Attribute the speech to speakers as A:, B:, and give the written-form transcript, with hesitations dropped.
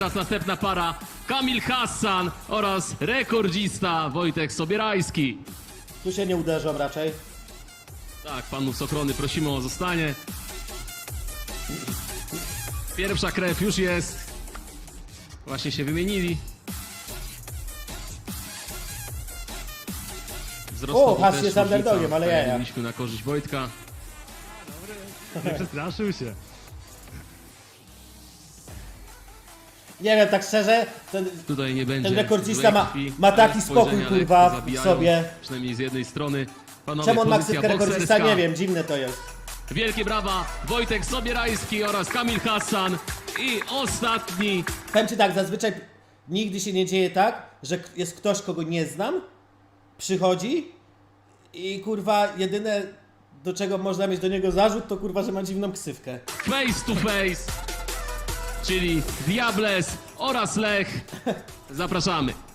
A: Teraz następna para Kamil Hassan oraz rekordzista Wojtek Sobierajski.
B: Tu się nie uderzą raczej.
A: Tak, panów z ochrony prosimy o zostanie. Pierwsza krew już jest. Właśnie się wymienili. Wzrostowo
B: Has
A: też
B: jest
A: różnica,
B: underdogiem, ale
A: tak jak
B: jaja.
A: mówiliśmy, na korzyść Wojtka.
C: Nie przestraszył się.
B: Nie wiem, tak szczerze,
A: Tutaj nie będzie
B: ten rekordzista
A: złej
B: ma-
A: krwi,
B: ma taki
A: ale
B: spokój,
A: spojrzenia
B: kurwa,
A: lekko
B: w
A: zabijają,
B: sobie.
A: Przynajmniej z jednej strony. Panowie,
B: czemu on ma
A: pozycja
B: ksywkę rekordzista,
A: bokserska.
B: nie wiem, dziwne to jest.
A: Wielkie brawa, Wojtek Sobierajski oraz Kamil Hassan. I ostatni.
B: Powiem ci tak, zazwyczaj nigdy się nie dzieje tak, że jest ktoś, kogo nie znam, przychodzi i kurwa jedyne, do czego można mieć do niego zarzut, to kurwa, że ma dziwną ksywkę.
A: Face to face, czyli Diables oraz Lech. Zapraszamy.